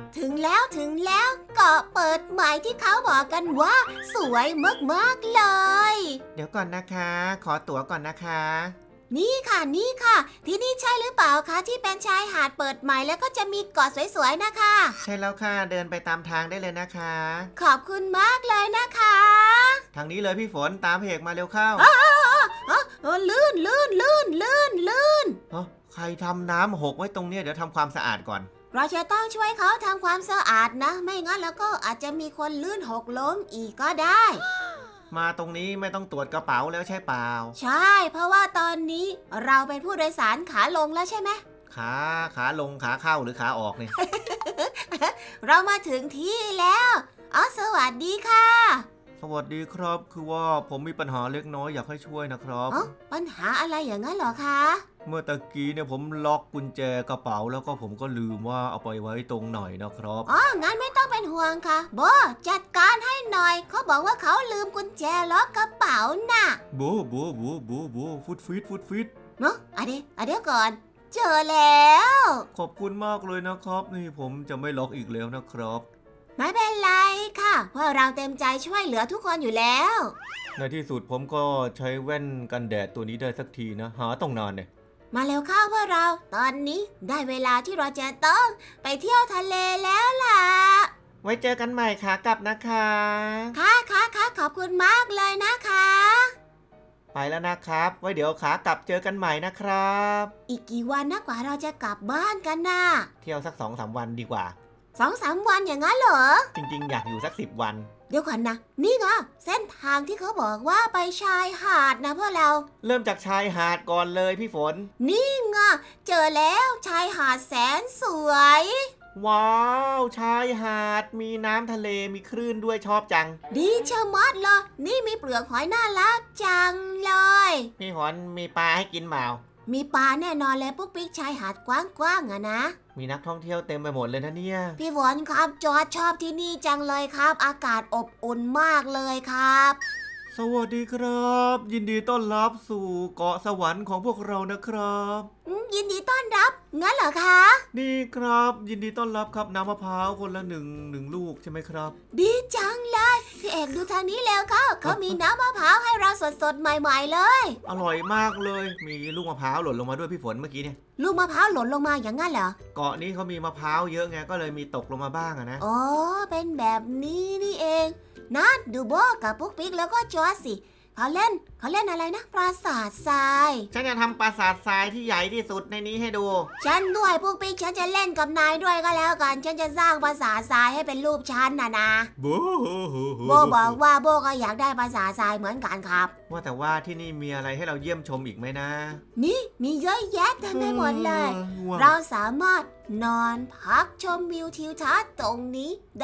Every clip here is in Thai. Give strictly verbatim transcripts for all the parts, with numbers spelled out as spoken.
ถึงแล้วถึงแล้วเกาะเปิดใหม่ที่เขาบอกกันว่าสวยมากๆเลยเดี๋ยวก่อนนะคะ ขอตั๋วก่อนนะคะนี่ค่ะนี่ค่ะที่นี่ใช่หรือเปล่าคะที่เป็นชายหาดเปิดใหม่แล้วก็จะมีเกาะสวยๆนะคะใช่แล้วค่ะเดินไปตามทางได้เลยนะคะขอบคุณมากเลยนะคะทางนี้เลยพี่ฝนตามเพกมาเร็วเข้าอ๋ออ๋ออ๋อลื่นลื่นลื่นลื่นลื่นเอ้าใครทำน้ำหกไว้ตรงเนี้ยเดี๋ยวทำความสะอาดก่อนเราจะต้องช่วยเขาทำความสะอาดนะไม่งั้นแล้วก็อาจจะมีคนลื่นหกล้มอีกก็ได้มาตรงนี้ไม่ต้องตรวจกระเป๋าแล้วใช่เปล่าใช่เพราะว่าตอนนี้เราเป็นผู้โดยสารขาลงแล้วใช่ไหมขาขาลงขาเข้าหรือขาออกเนี่ยเรามาถึงที่แล้วอ๋อสวัสดีค่ะสวัสดีครับคือว่าผมมีปัญหาเล็กน้อยอยากให้ช่วยนะครับอ๋อปัญหาอะไรอย่างนั้นเหรอคะเมื่อตะกี้เนี่ยผมล็อกกุญแจกระเป๋าแล้วก็ผมก็ลืมว่าเอาไปไว้ตรงไหนนะครับอ๋องั้นไม่ต้องเป็นห่วงค่ะโบจัดการให้หน่อยเขาบอกว่าเขาลืมกุญแจล็อกกระเป๋าน่ะบูบูบูบูบูฟุตฟิตฟุตฟิตเนาะอะเดี๋ยวอะเดี๋ยวก่อน เจอแล้วขอบคุณมากเลยนะครับนี่ผมจะไม่ล็อกอีกแล้วนะครับไม่เป็นไรค่ะเพราะเราเต็มใจช่วยเหลือทุกคนอยู่แล้วในที่สุดผมก็ใช้แว่นกันแดดตัวนี้ได้สักทีนะหาต้องนานเนี่ยมาเร็วเข้าพวกเรา ตอนนี้ได้เวลาที่เราจะต้องไปเที่ยวทะเลแล้วล่ะไว้เจอกันใหม่ขากลับนะคะค่ะค่ะค่ะขอบคุณมากเลยนะคะไปแล้วนะครับไว้เดี๋ยวขากลับเจอกันใหม่นะครับอีกกี่วันนะกว่าเราจะกลับบ้านกันน่ะเที่ยวสักสองสามวันดีกว่าสองสามวันอย่างนั้นเหรอจริงๆอยากอยู่สักสิบวันเดี๋ยวก่อนนะ นี่ไงเส้นทางที่เขาบอกว่าไปชายหาดนะพวกเราเริ่มจากชายหาดก่อนเลยพี่ฝนนี่ไงเจอแล้วชายหาดแสนสวยว้าวชายหาดมีน้ำทะเลมีคลื่นด้วยชอบจังดีเชะมัดเลยนี่มีเปลือกหอยน่ารักจังเลยพี่ฝนมีปลาให้กินเปล่ามีปลาแน่นอนเลยปุ๊กปิ๊กชายหาดกว้างๆอะนะมีนักท่องเที่ยวเต็มไปหมดเลยนะเนี่ยพี่ฝนครับจอร์จชอบที่นี่จังเลยครับ อากาศอบอุ่นมากเลยครับสวัสดีครับ ยินดีต้อนรับสู่เกาะสวรรค์ของพวกเรานะครับอืมยินดีต้อนรับ งั้นเหรอคะนี่ครับยินดีต้อนรับครับน้ำมะพร้าวคนละหนึ่งหนึ่งลูกใช่ไหมครับดีจังเลยพี่เอกดูทางนี้แล้วเขาเขามีน้ำมะพร้าวให้เราสดๆใหม่ๆเลยอร่อยมากเลย มีลูกมะพร้าวหล่นลงมาด้วยพี่ฝนเมื่อกี้เนี่ยลูกมะพร้าวหล่นลงมาอย่างนั้นเหรอเกาะนี้เขามีมะพร้าวเยอะไงก็เลยมีตกลงมาบ้างอะนะอ๋อเป็นแบบนี้นี่เองนัดดูโบกับปุ๊กปิ๊กแล้วก็จอร์จสิเขาเล่นเขาเล่นอะไรนะปราสาททรายฉันจะทำปราสาททรายที่ใหญ่ที่สุดในนี้ให้ดูฉันด้วยปุ๊กปิ๊กฉันจะเล่นกับนายด้วยก็แล้วกัน ฉันจะสร้างปราสาททรายให้เป็นรูปฉันนะนะบูโบบอกว่าโบก็อยากได้ปราสาททรายเหมือนกันครับว่าแต่ว่าที่นี่มีอะไรให้เราเยี่ยมชมอีกไหมนะนี่มีเยอะแยะเต็มไปหมดเลยว้าวเราสามารถนอนพักชมวิวทิวทัศน์ตรงนี้ได้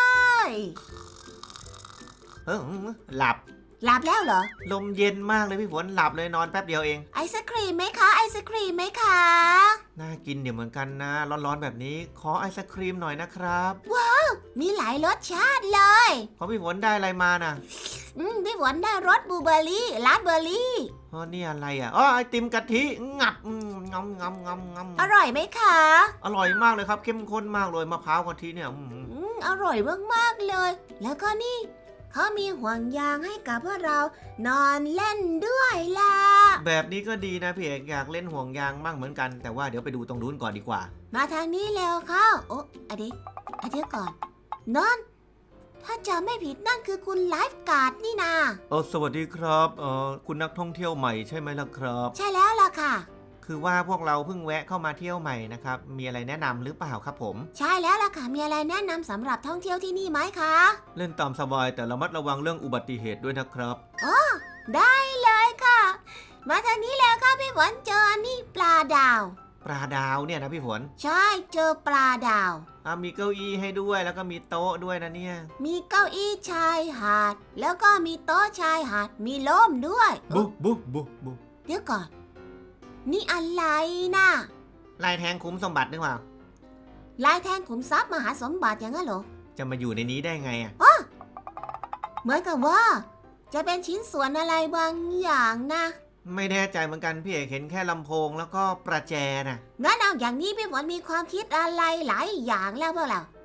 เออหลับหลับแล้วเหรอลมเย็นมากเลยพี่ฝนหลับเลยนอนแป๊บเดียวเองไอศครีมไหมคะ ไอศครีมไหมคะน่ากินเดี๋ยวเหมือนกันนะ ร้อนๆแบบนี้ขอไอศครีมหน่อยนะครับมีหลายรสชาติเลยขอพี่ฝนได้อะไรมาน่ะอืมพี่ฝนได้รสบลูเบอร์รี่ราสเบอร์รี่อ๋อนี่อะไรอ่ะอ๋อไอติมกะทิงับอืมงำงำงำงำอร่อยไหมคะอร่อยมากเลยครับเข้มข้นมากเลยมะพร้าวกะทิเนี่ยอืมอืมอร่อยมากๆเลย แล้วก็นี่เขามีห่วงยางให้กับพวกเรานอนเล่นด้วยล่ะแบบนี้ก็ดีนะพี่เอกอยากเล่นห่วงยางบ้างเหมือนกันแต่ว่าเดี๋ยวไปดูตรงนู้นก่อนดีกว่ามาทางนี้เร็วเข้าโอ้อะเดี๋ยวอะเดี๋ยวก่อนนั่นถ้าจำไม่ผิดนั่นคือคุณไลฟ์การ์ดนี่นาเออสวัสดีครับเออคุณนักท่องเที่ยวใหม่ใช่ไหมล่ะครับใช่แล้วล่ะค่ะคือว่าพวกเราเพิ่งแวะเข้ามาเที่ยวใหม่นะครับมีอะไรแนะนำหรือเปล่าครับผมใช่แล้วล่ะค่ะมีอะไรแนะนำสำหรับท่องเที่ยวที่นี่ไหมคะเล่นตามสบายแต่ระมัดระวังเรื่องอุบัติเหตุด้วยนะครับได้เลยค่ะ มาทางนี้แล้วค่ะพี่ฝนเจออันนี่ปลาดาวปลาดาวเนี่ยนะพี่ฝนใช่เจอปลาดาวอ่ะมีเก้าอี้ให้ด้วยแล้วก็มีโต๊ะด้วยนะเนี่ยมีเก้าอี้ชายหาด แล้วก็มีโต๊ะชายหาดมีล่มด้วยบุบุบุบุเดี๋ยวก่อน นี่อะไรนะลายแทงคุ้มสมบัติหรือเปล่าลายแทงขุมทรัพย์มหาสมบัติอย่างนั้นเหรอจะมาอยู่ในนี้ได้ไงอ่ะเหมือนกับว่า จะเป็นชิ้นส่วนอะไรบางอย่างนะไม่แน่ใจเหมือนกันพี่เอกเห็นแค่ลำโพงแล้วก็ประแจน่ะงั้นเอาอย่างนี้พี่ฝนมีความคิดอะไรหลายอย่างแล้วพวกเรา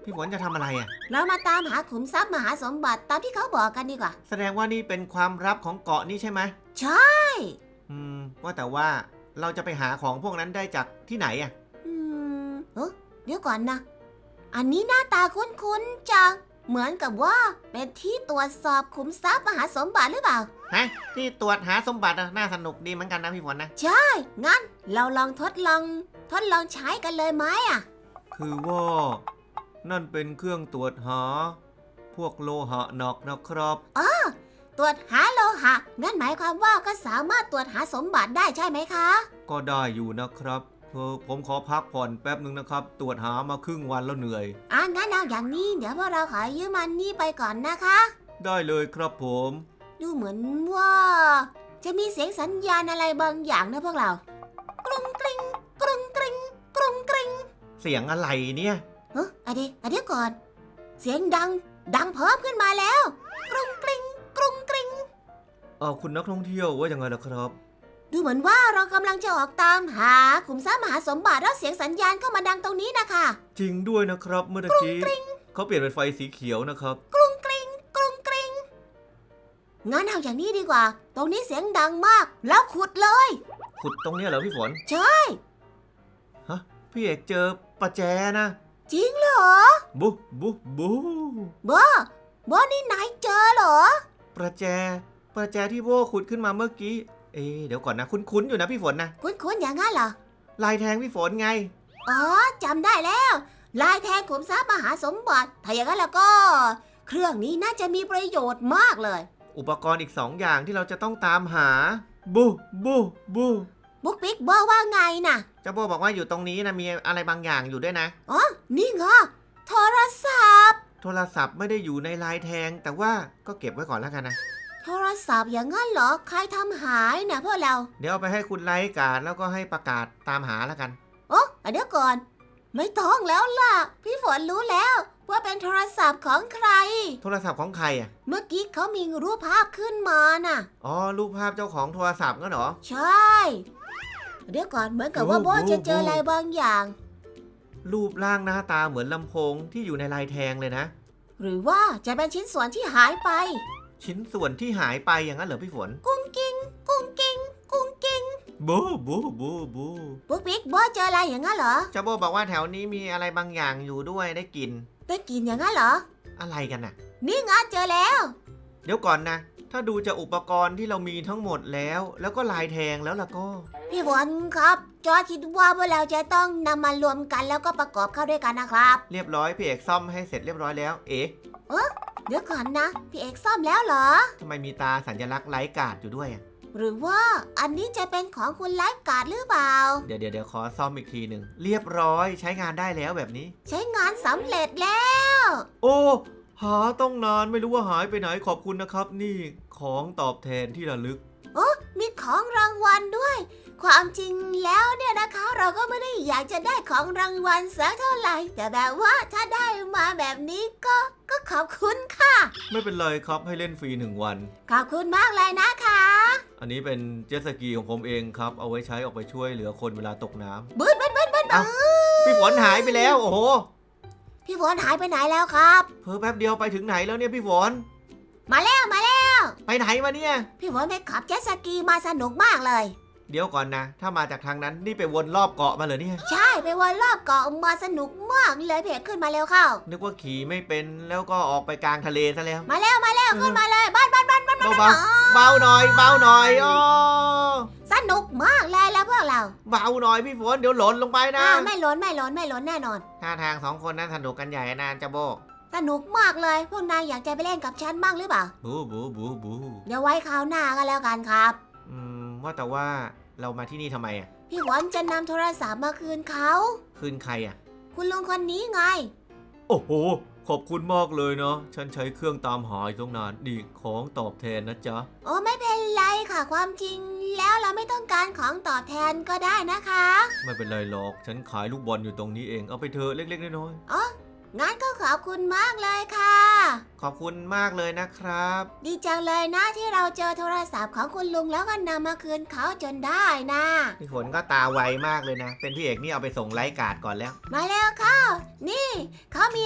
พี่ฝนจะทำอะไรอ่ะเรามาตามหาขุมทรัพย์มหาสมบัติตามที่เขาบอกกันดีกว่าแสดงว่านี่เป็นความลับของเกาะนี่ใช่ไหมใช่อืมว่าแต่ว่าเราจะไปหาของพวกนั้นได้จากที่ไหนอ่ะอืมเอ้อเดี๋ยวก่อนนะ อันนี้หน้าตาคุ้นๆจัง เหมือนกับว่าเป็นที่ตรวจสอบขุมทรัพย์มหาสมบัติหรือเปล่าฮะที่ตรวจหาสมบัติอะน่าสนุกดีเหมือนกันนะพี่ฝนนะใช่ งั้นเราลองทดลอง ทดลองใช้กันเลยไหมอ่ะคือว่านั่นเป็นเครื่องตรวจหา พวกโลหะหนักนะครับตรวจหาโลหะ งั้นหมายความว่าก็สามารถตรวจหาสมบัติได้ใช่ไหมคะก็ได้อยู่นะครับเออผมขอพักผ่อนแป๊บหนึ่งนะครับ ตรวจหามาครึ่งวันแล้วเหนื่อยอ่ะงั้นเอาอย่างนี้ เดี๋ยวพวกเราขอยืมมันนี่ไปก่อนนะคะได้เลยครับผมดูเหมือนว่า จะมีเสียงสัญญาณอะไรบางอย่างนะพวกเรา กรุงกริงกรุงกริงกรุงกริงเสียงอะไรเนี่ยเฮ้ยอะเดี๋ยวอะเดี๋ยวก่อน เสียงดัง ดังเพิ่มขึ้นมาแล้ว กรุงกริงกรุงกริงเออคุณนักท่องเที่ยวว่ายังไงล่ะครับดูเหมือนว่าเรากำลังจะออกตามหาขุมทรัพย์มหาสมบัติแล้วเสียงสัญญาณก็มาดังตรงนี้นะคะจริงด้วยนะครับเมื่อตะกี้เขาเปลี่ยนเป็นไฟสีเขียวนะครับกรุงกริงกรุงกริงงั้นเอาอย่างนี้ดีกว่า ตรงนี้เสียงดังมาก แล้วขุดเลยขุดตรงเนี้ยเหรอพี่ฝนใช่ฮะพี่เอกเจอประแจนะจริงเหรอบุบุบุบอบอนี่นายเจอเหรอประแจ ประแจที่โบขุดขึ้นมาเมื่อกี้ เอ๊ะเดี๋ยวก่อนนะคุ้นๆอยู่นะพี่ฝนนะคุ้นๆอย่างนั้นเหรอลายแทงพี่ฝนไงอ๋อจำได้แล้ว ลายแทงขุมทรัพย์มหาสมบัติ ถ้าอย่างนั้นแล้วก็ เครื่องนี้น่าจะมีประโยชน์มากเลยอุปกรณ์อีกสองอย่างที่เราจะต้องตามหา บูบูบูบุ๊กปิ๊กบอกว่าไงน่ะเจ้าโบบอกว่าอยู่ตรงนี้นะมีอะไรบางอย่างอยู่ด้วยนะอ๋อ นี่ไงโทรศัพท์โทรศัพท์ไม่ได้อยู่ในลายแทง แต่ว่าก็เก็บไว้ก่อนแล้วกันนะโทรศัพท์อย่างนั้นเหรอ ใครทำหายนะพวกเราเดี๋ยวเอาไปให้คุณไลฟ์การ์ดแล้วก็ให้ประกาศตามหาแล้วกันโอ้เดี๋ยวก่อน ไม่ต้องแล้วล่ะ พี่ฝนรู้แล้ว ว่าเป็นโทรศัพท์ของใครโทรศัพท์ของใครอ่ะเมื่อกี้เขามีรูปภาพขึ้นมาน่ะอ๋อรูปภาพเจ้าของโทรศัพท์งั้นเหรอใช่ เดี๋ยวก่อนเหมือนกับว่าโบจะเจออะไรบางอย่างรูปร่างหน้าตาเหมือนลำโพงที่อยู่ในลายแทงเลยนะหรือว่าจะเป็นชิ้นส่วนที่หายไปชิ้นส่วนที่หายไปอย่างนั้นเหรอพี่ฝนกุ้งกิ้งกุ้งกิ้งกุ้งกิ้งบูบูบูบูปุ๊กปิ๊กโบเจออะไรอย่างนั้นเหรอเจ้าโบบอกว่าแถวนี้มีอะไรบางอย่างอยู่ด้วยได้กลินได้กินอย่างนั้นเหรออะไรกันน่ะนี่ไงเจอแล้วเดี๋ยวก่อนนะ ถ้าดูจากอุปกรณ์ที่เรามีทั้งหมดแล้ว แล้วก็ลายแทงแล้วล่ะก็พี่ฝนครับ จอร์จคิดว่าพวกเราจะต้องนำมารวมกันแล้วก็ประกอบเข้าด้วยกันนะครับเรียบร้อยพี่เอกซ่อมให้เสร็จเรียบร้อยแล้ว เอ๊ะเดี๋ยวก่อนนะ พี่เอกซ่อมแล้วเหรอทำไมมีตาสัญลักษณ์ไลฟ์การ์ดอยู่ด้วยอะหรือว่าอันนี้จะเป็นของคุณไลฟ์การ์ดหรือเปล่าเดี๋ยวเดี๋ยวเดี๋ยวขอซ่อมอีกทีหนึ่งเรียบร้อยใช้งานได้แล้วแบบนี้ใช้งานสำเร็จแล้วโอ้หาต้องนานไม่รู้ว่าหายไปไหนขอบคุณนะครับ นี่ของตอบแทนที่ระลึกมีของรางวัลด้วย ความจริงแล้วเนี่ยนะคะ เราก็ไม่ได้อยากจะได้ของรางวัลสักเท่าไหร่ แต่แบบว่าถ้าได้มาแบบนี้ก็ก็ขอบคุณค่ะไม่เป็นไรครับให้เล่นฟรีหนึ่งวันขอบคุณมากเลยนะคะอันนี้เป็นเจ็ตสกีของผมเองครับ เอาไว้ใช้ออกไปช่วยเหลือคนเวลาตกน้ำบึ้นบึ้นบึ้นบึ้นเอ้า พี่ฝนหายไปแล้ว โอ้โหพี่ฝนหายไปไหนแล้วครับเพิ่แป๊บเดียวไปถึงไหนแล้วเนี่ยพี่ฝนมาแล้วมาแล้วไปไหนมาเนี่ยพี่ฝนไปขับเจ็ตสกีมาสนุกมากเลยเดี๋ยวก่อนนะ ถ้ามาจากทางนั้นนี่ไปวนรอบเกาะมาเลยเนี่ยใช่ไปวนรอบเกาะมาสนุกมากเลยเพจขึ้นมาเร็วเข้านึกว่าขี่ไม่เป็นแล้วก็ออกไปกลางทะเลซะแล้วมาแล้วมาแล้วขึ้นมาเลยบ้านบ้านบ้านบ้านเบาเบาเบาหน่อยเบาหน่อยอ๋อสนุกมากเลยแล้วพวกเราเบาหน่อยพี่ฝนเดี๋ยวหล่นลงไปนะอ่าไม่หล้นไม่หล้นไม่หล้นแน่นอนท่าทางสองคนนั้นสนุกกันใหญ่นานจะโบสนุกมากเลย พวกนายอยากจะไปเล่นกับฉันบ้างหรือเปล่าบูบูบูบูเดี๋ยวไว้คราวหน้ากันแล้วกันครับอืมว่าแต่ว่าเรามาที่นี่ทำไมอ่ะพี่ฝนจะนำโทรศัพท์มาคืนเขาคืนใครอ่ะคุณลุงคนนี้ไงโอ้โหขอบคุณมากเลยเนาะฉันใช้เครื่องตามหาอยู่ตั้งนานนี่ของตอบแทนนะจ๊ะโอ้ไม่เป็นไรค่ะความจริงแล้วเราไม่ต้องการของตอบแทนก็ได้นะคะไม่เป็นไรหรอกฉันขายลูกบอลอยู่ตรงนี้เองเอาไปเถอะเล็กๆน้อยงั้นก็ขอบคุณมากเลยค่ะๆขอบคุณมากเลยนะครับดีจังเลยนะที่เราเจอโทรศัพท์ของคุณลุงแล้วก็นำมาคืนเขาจนได้นะพี่ฝนก็ตาไวมากเลยนะ เป็นพี่เอกนี่เอาไปส่งไลฟ์การ์ดก่อนแล้วมาแล้วค่ะ นี่เขามีอะไร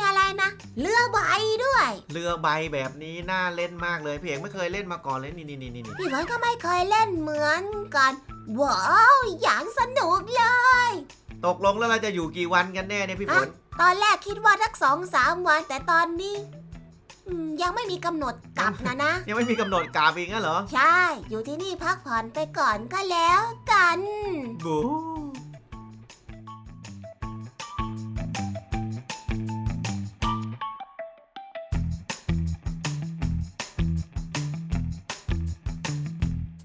นะเรือใบด้วยเรือใบแบบนี้น่าเล่นมากเลยพี่เอกไม่เคยเล่นมาก่อนเลยนี่นี่นี่นี่พี่ฝนก็ไม่เคยเล่นเหมือนกันว้าวอย่างสนุกเลยตกลงแล้วเราจะอยู่กี่วันกันแน่เนี่ยพี่ฝนตอนแรกคิดว่าสักสองสามวันแต่ตอนนี้อืมยังไม่มีกำหนดกลับนะนะยังไม่มีกำหนดกราบอีกงั้นเหรอใช่ อยู่ที่นี่พักผ่อนไปก่อนก็แล้วกันบู